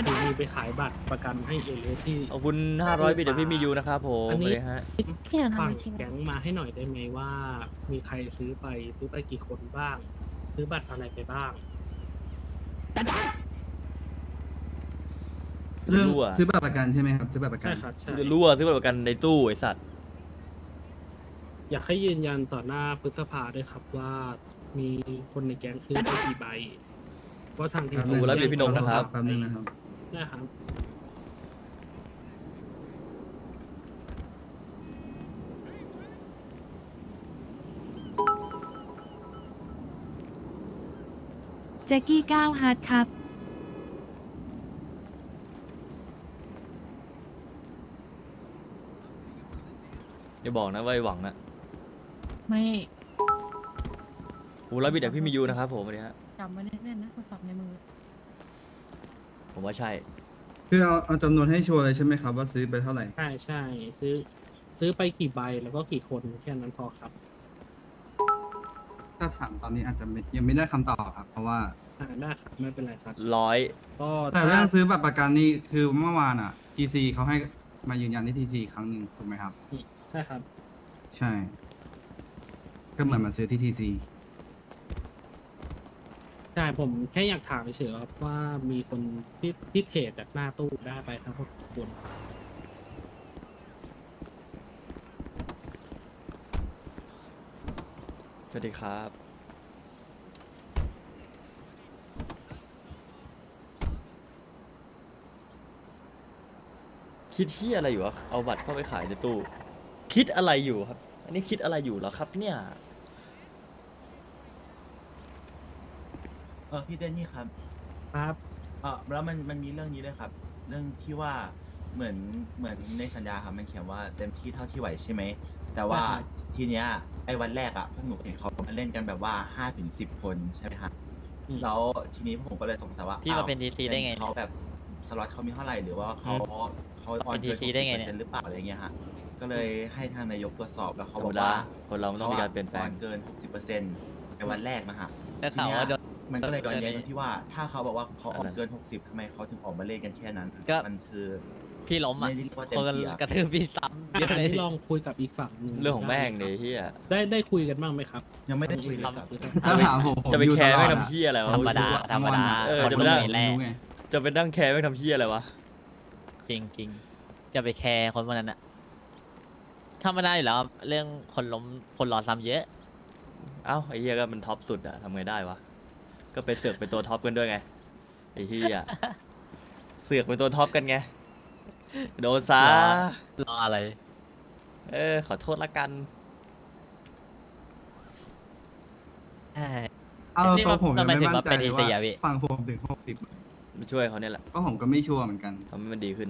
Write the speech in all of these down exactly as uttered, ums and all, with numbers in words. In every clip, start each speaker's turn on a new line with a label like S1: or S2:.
S1: คือมีไปขายบัตรประกันให้เอเลสที่
S2: ขอบคุณห้าร้อยบิตจากพี่มียูนะครับผม
S1: อันนี้
S2: สวัสดีฮะ
S3: พี่หนูทำ
S1: ฝั่ง
S3: อาชีพ
S1: แก๊งมาให้หน่อยได้ไหมว่า มีใครซื้อไปซื้อไปกี่คนบ้าง ซื้อบัตรอะไรไปบ้าง
S4: เรื่อง
S2: รั่ว
S4: ซื้อบัตรประกันใช่ไหมครับซื้อบัตรประกั
S1: ใช่
S4: น
S1: ครับใช่
S2: จะรั่วซื้อบัตรประกันในตู้ไอสัตว์
S1: อยากให้ยืนยันต่อหน้าพฤษภาด้วยครับว่ามีคนในแก๊งซื้อไปกี่ใบเพราะทางทีม
S4: ขอบคุณ
S2: แล้วมีพี่นงนะครับ
S4: แป๊บนึงนะครับ
S1: นะครับ
S5: แจ็กกี้ก้าวฮาร์ดครับ
S2: อย่าบอกนะว่าไอหวังนะ
S3: ไม่
S2: โอ้ร้อยบิตจากพี่มียูนะครับผมสวัสดีฮะ
S3: จำไว้แน่นๆนะโทรศัพท์ในมือ
S2: ผมว่าใช่
S4: คือเอาเอาจำนวนให้ชัวร์เลยใช่ไหมครับว่าซื้อไปเท่าไหร่
S1: ใช่ใช่ซื้อ ซื้อไปกี่ใบแล้วก็กี่คนแค่นั้นพอครับ
S4: ถ้าถามตอนนี้อาจจะไม่ยังไม่ได้คำตอบครับ เพราะว่า
S1: อ่าได้ครับไม่เป็นไรครับ
S2: ร้อย
S1: ก็
S4: แต่
S1: ถ้า
S4: เรื่องซื้อบัตรประกันนี่คือเมื่อวานอ่ะ ที ซี เขาให้มายืนยันที่ ที ซี ครั้งหนึ่งถูกไหมครับ
S1: ใช่ครับ
S4: ใช่ ก็เหมือนมาซื้อที่ ที ซี
S1: ใช่ผมแค่อยากถามเฉยๆครับว่ามีคนที่ที่เทรดจากหน้าตู้ได้ไปทั้งหมดกี่คน
S2: สวัสดีครับ คิดที่อะไรอยู่วะเอาบัตรเข้าไปขายในตู้ คิดอะไรอยู่ครับ อันนี้คิดอะไรอยู่เหรอครับเนี่ย
S6: เออพี่เต้นนี่ครับ
S1: ครับ
S6: เออแล้วมันมันมีเรื่องนี้ด้วยครับ เรื่องที่ว่าเหมือนเหมือนในสัญญาครับมันเขียนว่าเต็มที่เท่าที่ไหวใช่ไหมแต่ว่า
S1: ใช่ครับ
S6: ทีเนี้ยไอ้วันแรกอ่ะพวกหนูเห็นเขามาเล่นกันแบบว่าห้าถึงสิบคนใช่ไหมครับ
S1: อืม
S6: แล้วทีนี้พวกผมก็เลยสงสัยว่า
S7: พี่มา
S6: อ้ว
S7: เป็น ดี ซี ได้ไงเนี่ย
S6: เขาแบบสล็อตเขามีเท่าไหร่หรือว่าเขาเขาออน
S7: เป็น
S6: เกิน
S7: ดี ซี ได้ไงเนี่ย
S6: หกสิบเปอร์เซ็นต์หรือเปล่าอะไรเงี้ยฮะก็เลยให้ทางนายกตรวจสอบแล้ว
S2: ธ
S6: เขา
S2: ร
S6: บ
S2: ร
S6: อ
S2: ม
S6: ก
S2: ดา
S6: ว่า
S2: คนเรามันต้องมีการเปลี่ยนแปลง
S6: ขาอะเกิน หกสิบเปอร์เซ็นต์ ในวันแรกนะฮะ
S7: ได้ข่าวว่าโดน
S6: มันก็เลยย้อนแย้ง
S7: เออ
S6: ตรงที่ว่าถ้าเขาบอกว่าเขาออก
S2: อะไร
S6: เกิน หกสิบทำไมเขาถึงออกมาเล่นกันแค่นั้น
S7: ก็
S6: มันคือ
S7: พี่ล้มอ่ะ
S6: ไม่ได้เรียกว่าเต็
S7: ค
S6: ม
S7: น
S6: ที่อะ
S7: กระทืบพี่ซ้ำเยอะ
S1: อัน
S7: เลย
S1: นี้ลองคุยกับอีกฝั่งหนึ่ง
S2: เรื่องของแม่ง
S1: ได้
S2: เนี่ย
S1: ไห
S2: เฮีย
S1: ได้ได้คุยกันบ้างไหมครับ
S6: ยังไม่ได้คุยเลยครับ
S4: ถ้าถามผมผม
S2: จะไป
S4: อยู่
S2: แคร์
S4: ตล
S2: ไม่
S4: อด
S2: ทำ
S4: อะ
S2: เฮียอะไรวะ
S7: ธรรมดา
S4: อยู่
S7: ธรรมดา
S2: เออ
S7: คน
S2: จะ
S7: มั
S2: ไป
S7: น
S2: นั่ง
S7: ไม่แรก
S4: รู้ไง
S2: จะไปนั่งแคร์ไม่ทำเฮียอะไรวะ
S7: จริงจริงจะไปแคร์คนพวกนั้นอ่ะธรรมดาอยู่แล้วเรื่องคนล้มคนรอซ้ำเยอะ
S2: เอ้าไอ้เฮียก็มันท็อปสุดอะทำไงได้วะ ก็ไปเสือกเป็นตัวท็อปกันด้วยไงไอ้เฮียเสือกเป็นตัวท็อปกันไงโดนซะ
S7: รออะไร
S2: เออขอโทษละกัน
S7: ใช่
S4: เอา
S7: นี่
S4: ตัวผม
S7: ทำ
S4: ยัง
S7: ไม
S4: ไม่
S7: ถึง
S4: มั่น
S7: มา
S4: ใจ
S7: เป็น
S4: เลย
S7: ที
S4: ว่า
S7: ซีอะพี่
S4: ฝั่งผมถึงหกสิบ
S2: มาช่วยเขาเนี่ยแหละ
S4: ก็ผมก็ไม่ชัวร์เหมือนกัน
S2: ทำให้มันดีขึ้น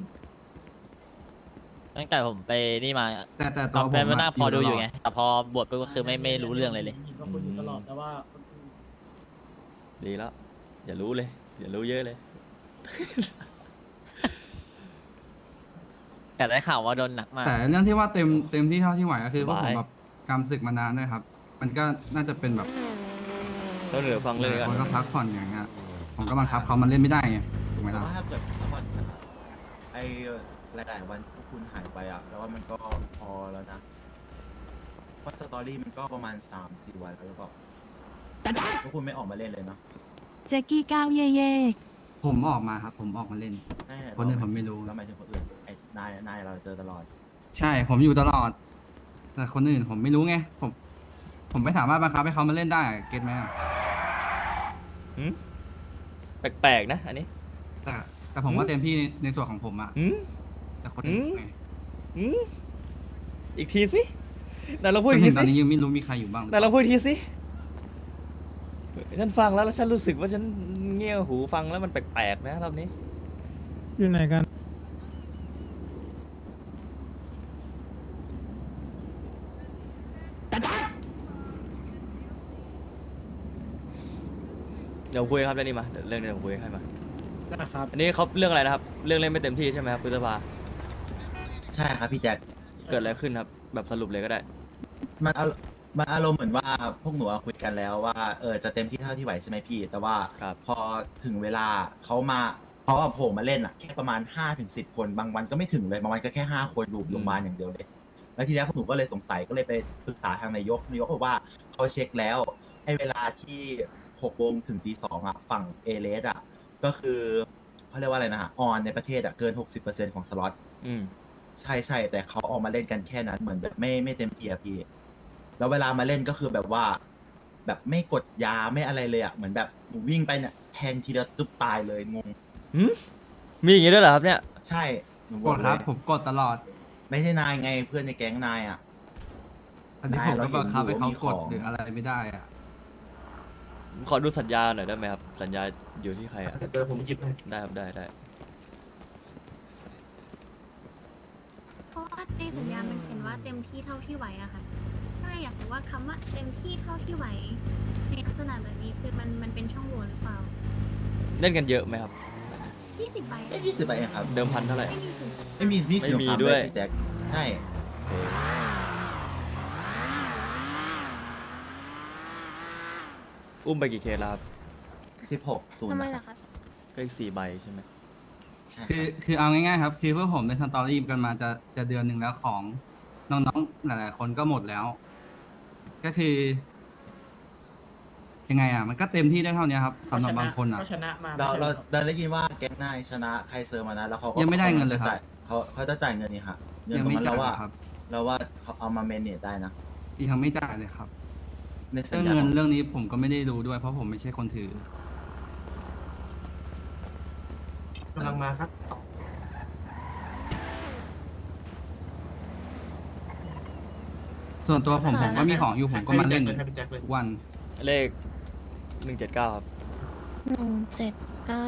S7: ตั้งแต่ผมไปนี่มา
S4: แต่แต่
S7: ต
S4: ตั
S7: อ
S4: วน ผม
S7: เป็นมา
S4: อะ
S7: นั่งพอดูอยู่
S4: ตล
S7: ไง แต่พอบวชไปก็คือไม่ไม่รู้เรื่องเลยเลย
S1: ก็คุยอยู่ตลอดแต่ว่า
S2: ดีแล้ว อย่ารู้เลย อย่ารู้เยอะเลย
S7: แต่ได้ข่าวว่าโดนหนักมาก
S4: แต่เรื่องที่ว่าเต็มเต็มที่เท่าที่ไหวก็คือว่าผม
S2: สบาย
S4: แบบกำศึกมานานด้วยครับ มันก็น่าจะเป็นแบบ
S2: ต้องเหนือฟังเลยกัน
S4: คนก็พักผ่อนอย่างเงี้ยผมก็บังคับเขามันเล่นไม่ได้ไงถูกไหม
S6: แต่
S4: ล่ะ
S6: ว่าถ้าเกิดถ้าวันไอ้หลายๆวันพวกคุณหายไปอ่ะแล้วว่ามันก็พอแล้วนะเพราะสตอรี่มันก็ประมาณสามสี่วันแล้วก็พวกคุณไม่ออกมาเล่นเลยเนาะ
S5: แจ็กกี้ก้าวเย่เย่
S4: ผมออกมาครับ ผมออกมาเล่น
S6: ใช่
S4: คนอื่นผมไม่รู้
S6: แล้วหมายถึงคนอื่นไอ้นายนายเราเจอตลอด
S4: ใช่ผมอยู่ตลอด แต่คนอื่นผมไม่รู้ไงผม ผมไม่สามารถบังคับให้เขามาเล่นได้เก็ตไหมอะ
S2: หืมแปลกๆนะ อันนี้
S4: แต่แต่ผมก็เต็มที่ในในส่วนของผมอะ
S2: หืม
S4: แต่คนอื่น
S2: อืม
S4: ไง
S2: หืมอีกทีสิไหนเราพูด
S4: จ
S2: อี
S4: น
S2: ก
S4: ถึ
S2: ที
S4: งตอน
S2: สิ
S4: นี้ยังไม่รู้มีใครอยู่บ้างหรือ
S2: ไหน
S4: เป
S2: เรา
S4: ล่า
S2: พูดอีกทีสิฉันฟังแล้วแล้วฉันรู้สึกว่าฉันเงี่ยหูฟังแล้วมันแปลกๆนะรอบนี้
S1: อยู่ไหนกัน
S2: เดี๋ยวคุยครับเรื่องนี้มาเดี๋ยวเรื่องนี้เดี๋ยวผมคุยให้มา
S1: นะครับ
S2: อันนี้เขาเรื่องอะไรนะครับ เรื่องเล่นไม่เต็มที่ใช่ไหมครับพฤษภา
S6: ใช่ครับพี่แจ็ค
S2: เกิดอะไรขึ้นครับ แบบสรุปเลยก็ได้
S6: มันอารมันอารมณ์เหมือนว่าพวกหนูอะคุยกันแล้วว่าเออจะเต็มที่เท่าที่ไหวใช่ไหมพี่ แต่ว่า
S2: ครับ
S6: พอถึงเวลาเขามาเขาอะโผล่มาเล่นอะแค่ประมาณห้าถึงสิบคนบางวันก็ไม่ถึงเลยบางวันก็แค่ห้าคนอยู่โรงพยาบาลอย่างเดียวเลยแล้วทีนี้พวกหนูก็เลยสงสัยก็เลยไปปรึกษาทางนายกนายกบอกว่าเขาเช็คแล้วไอ้เวลาที่หกโมงถึงตีสองอะฝั่งเอเลสอะก็คือเขาเรียกว่าอะไรนะฮะออนในประเทศอะเกินหกสิบเปอร์เซ็นต์ของสล็อต
S2: อืม
S6: ใช่ใช่แต่เขาออกมาเล่นกันแค่นั้นเหมือนแบบไม่ไม่เต็มที่อะพี่ แล้วเวลามาเล่นก็คือแบบว่า แบบไม่กดยาไม่อะไรเลยอะเหมือนแบบหนูวิ่งไปเนี่ยแทงทีเดียวตุ๊บตายเลยงง
S2: หืมมีอย่างงี้ด้วยเหรอครับเนี่ย
S6: ใช่หนูบ
S4: ก
S6: อก
S4: ด
S6: เล
S4: ครับ
S6: ย
S4: ผมกดตลอด
S6: ไม่ใช่นายไงเพื่อนในแก๊งนายอะ
S4: อันนี้
S6: ได้
S4: ผม
S6: เรา
S4: ก็
S6: เห็น
S4: บังคับ
S6: อยู่
S4: ให้เขา
S6: ว่ามี
S4: กด
S6: ของ
S4: หรืออะไรไม่ได้อะ
S2: ขอดูสัญญาหน่อยได้ไหมครับ สัญญาอยู่ที่ใครอ่ะ
S1: เดี๋ยวผมหยิบให้
S2: ได้ครับได้ได้
S8: เพราะว่าในสัญญามันเขียนว่าเต็มที่เท่าที่ไหวอะค่ะก็เลยอยากรู้ว่าคำว่าเต็มที่เท่าที่ไหวในลักษณะแบบนี้คือมันมันเป็นช่องโหว่หรือเปล่า
S2: เล่นกันเยอะไหมครับ
S8: ยี่สิบใบ
S6: แค่ยี่สิบใบเองครับ
S2: เดิมพันเท่าไหร่
S8: ไม่มีถึง
S6: ไม่มีนี่
S2: ไม่
S6: สิ
S2: มี
S6: สงคราม
S2: ด้วย
S6: พี่แจ็คใช่
S2: อุ้มไปกี่เคสแล้วครับ
S6: สิบหกศูนย์
S8: ทำไมล่ะคะ
S2: ก็อีกสี่ใบใช่ไหม
S6: ใช่
S4: คือคือเอาง่ายๆครับ คือพวกผมในสตอรี่กันมาจะจะเดือนหนึ่งแล้วของน้องๆหลายๆคนก็หมดแล้ว ก็คือ ยังไงอ่ะ มันก็เต็มที่ได้เท่านี้ครับสำหรับบางคนอ่ะ
S1: ก็ชนะมา
S6: เรา
S1: ไม่
S6: เรา
S1: ใช่หอ
S6: เราได้ยินว่าแก๊งนายชนะใครเซอร์มานะแล้วเขาก็
S4: ยังไม่ได้เงินเลยครับ
S6: จ่าเขาเขาจะจ่ายเงินนี่ค่ะเงิน
S4: ยัง
S6: ตรง
S4: ไม่
S6: นั้น
S4: จ่า
S6: เรา
S4: ย
S6: ว่า
S4: ครับ
S6: เราว่าเขาเอามาเมนเนจได้นะ
S4: ยังไม่จ่ายเลยครับ
S6: ในสั
S4: เรื่
S6: ญ
S4: อง
S6: ญา
S4: เงิน
S6: ของ
S4: เรื่องนี้ผมก็ไม่ได้รู้ด้วย เพราะผมไม่ใช่คนถือ
S1: กำลังมาครับสอง
S4: ส่วนตัวผมผมก็มีของอยู่ผมก็มาเล่น
S1: ให้พี่แจ็คเลย
S4: ทุกวัน
S2: เลขหนึ่งเจ็ดเก้าครับ
S8: หนึ่งเจ็ดเก้า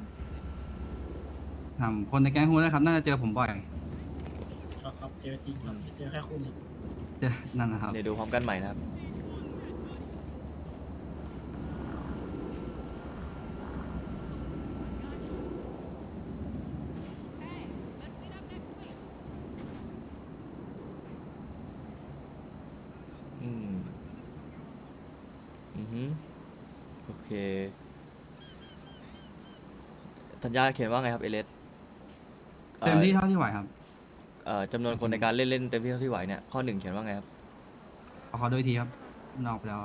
S4: ถามคนในแก๊งฮูนะครับ น่าจะเจอผมบ่อย
S1: ครับครับเจอจริงครับเจอแค่คู่นี้
S4: เจอนั่นนะครับ
S2: เดี๋ยวดูพร้อมกันใหม่นะครับ อืม อือฮึโอเค สัญญาเขียนว่าไงครับเอเลส
S4: เต็มที่เท่าที่ไหวครับ
S2: เอ่อจำนวนคนในการเล่นเล่นเต็มที่เท่าที่ไหวเนี่ย ข้อหนึ่งเขียนว่าไงครับ
S4: ขอขอด้วยทีครับ นอกไปแล้ว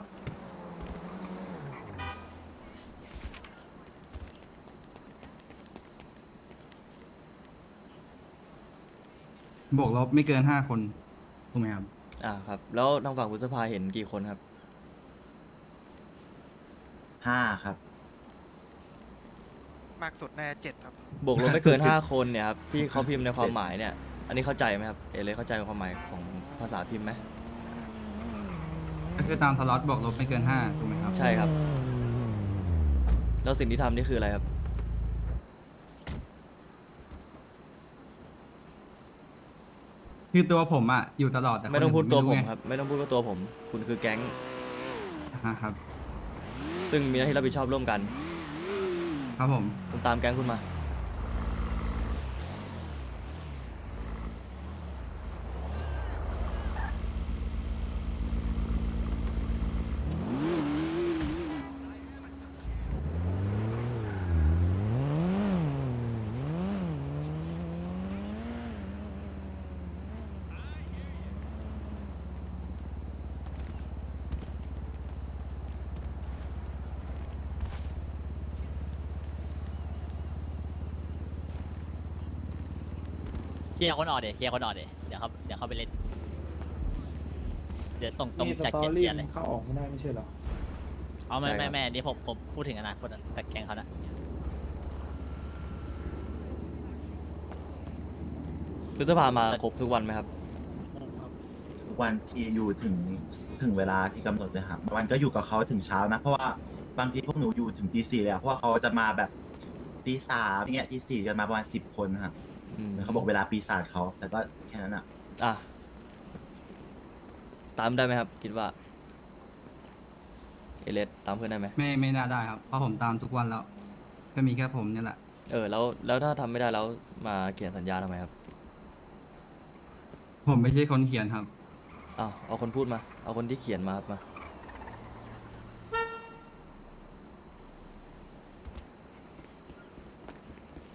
S4: บวกลบไม่เกินห้าคน ถูกไหมครับ
S2: อ่าครับ แล้วทางฝั่งพุทธภาเห็นกี่คนครับ
S6: ห้าครับ
S9: มากสุดแน่เจ็ดครับ
S2: บวกลบไม่เกินห้าคนเนี่ยครับที่เขาพิมพ์ในความหมายเนี่ย อันนี้เข้าใจไหมครับเอเลสเข้าใจความหมายของภาษาพิมพ์ไหม
S4: ก็คือตามสล็อตบวกลบไม่เกินห้าถูกไหมครับ
S2: ใช่ครับ แล้วสิ่งที่ทำนี่คืออะไรครับ
S4: คือตัวผมอ่ะ อยู่ตลอดแต่
S2: ไม่ต้องพูดตัวผม
S4: ไไ
S2: ครับ ไม่ต้องพูดว่าตัวผม คุณคือแก๊ง
S4: อ่าครับ
S2: ซึ่งมีหน้าที่รับผิดชอบร่วมกัน
S4: ครับผม
S2: คุณตามแก๊งคุณมา
S7: เคลียร์คนออกเดี๋ยวเคลียร์คนออกเดี๋ยวเดี๋ยวเขาเดี๋ยวเขาไปเล่น เดี๋ยวส่งตรงจากเจ็ดเดือนเลย
S1: เข้าออกไม่ได้ไม่ใช่เหรอ
S7: เอาไม่
S2: ใช่ครับ
S7: ไม่ไม่อันนี่ผมผมพูดถึงอนาคตอะกับแกงเขานะ
S2: พฤษภามาครบทุกวันไหมครับ
S6: ทุกวันที่อยู่ถึงถึงเวลาที่กำหนดเลยครับบางวันก็อยู่กับเขาถึงเช้านะ เพราะว่าบางทีพวกหนูอยู่ถึงตีสี่เลยอะเพราะว่าเขาจะมาแบบตีสามเงี้ยตีสี่กันมาประมาณสิบคนครับ
S2: อืม
S6: เขาบอกเวลาปีศาจเขาแต่ก็แค่นั้นอะ
S2: อ่ะ ตามได้ไหมครับ คิดว่า เอเลสตามเพื่อนได้ไหม
S4: ไม่ไม่น่าได้ครับ เพราะผมตามทุกวันแล้ว ก็มีแค่ผมเนี่ยแหละ
S2: เออ แล้ว แล้วถ้าทำไม่ได้แล้วมาเขียนสัญญาทำไมครับ
S4: ผมไม่ใช่คนเขียนครับ
S2: อ้าว เอาคนพูดมา เอาคนที่เขียนมาครับมา
S4: ผ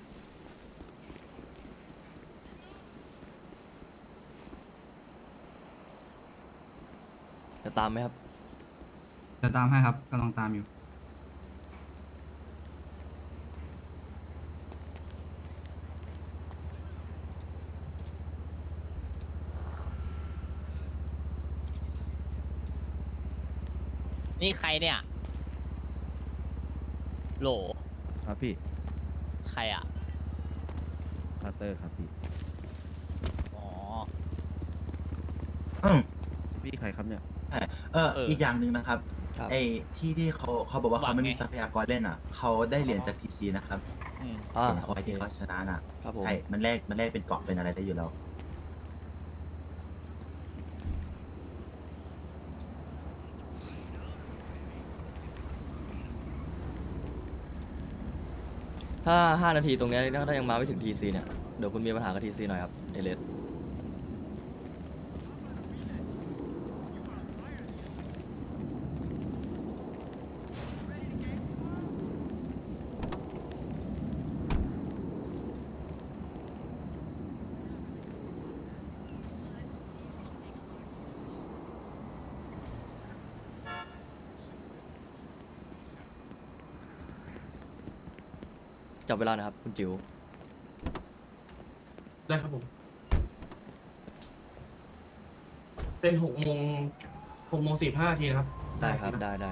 S2: จะตามไหมครับ
S4: จะตามให้ครับกำลังตามอยู่
S7: นี่ใครเนี่ย โหล
S9: ครับพี่
S7: ใครอ่ะ
S9: คาร์เตอร์ครับพี่
S7: อ๋อ
S6: อืม
S9: พี่ใครครับเนี่ย
S6: ใช่เออ
S7: เอออี
S6: อีกอย่างหนึ่งนะครับ
S2: ครับ
S6: ไอ้ที่ที่เขาเขาบอกว่า
S7: หวั
S6: เขา
S7: ง
S6: ไม่มี
S7: ไง
S6: ทรัพยากรเล่นอ่ะ เขาได้เหรียญจากทีซีนะครับ
S7: อืม
S2: อ่า
S6: เหรียญเขาที่เขาชนะน่ะ
S2: ครับผม
S6: ใช่ มันแลกมันแลกเป็นเกาะเป็นอะไรได้อยู่แล้ว
S2: ถ้าห้านาทีตรงเนี้ยถ้ายังมาไม่ถึงทีซีเนี่ย เดี๋ยวคุณมีปัญหากับทีซีหน่อยครับเอเลสจับเวลานะครับ คุณจิ๋ว
S1: ได้ครับผม เป็นหกโมงหกโมงสี่ห้าทีนะครับ
S2: ได้ครับ ได้ได้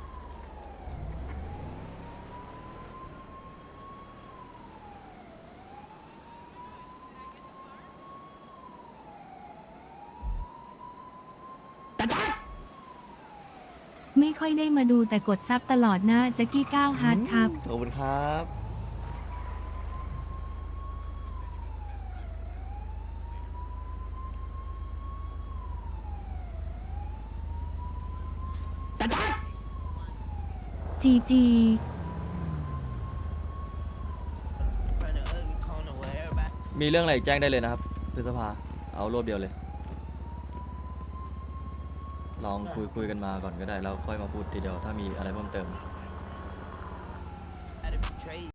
S5: ไม่ค่อยได้มาดูแต่กดซับตลอดนะแจ็กกี้เก้าฮาร์ดครับ
S2: ขอบคุณครับ
S5: จีจี
S2: มีเรื่องอะไรอีกแจ้งได้เลยนะครับพฤษภา เอารวบเดียวเลย ลองคุยคุยกันมาก่อนก็ได้ แล้วค่อยมาพูดทีเดียวถ้ามีอะไรเพิ่มเติม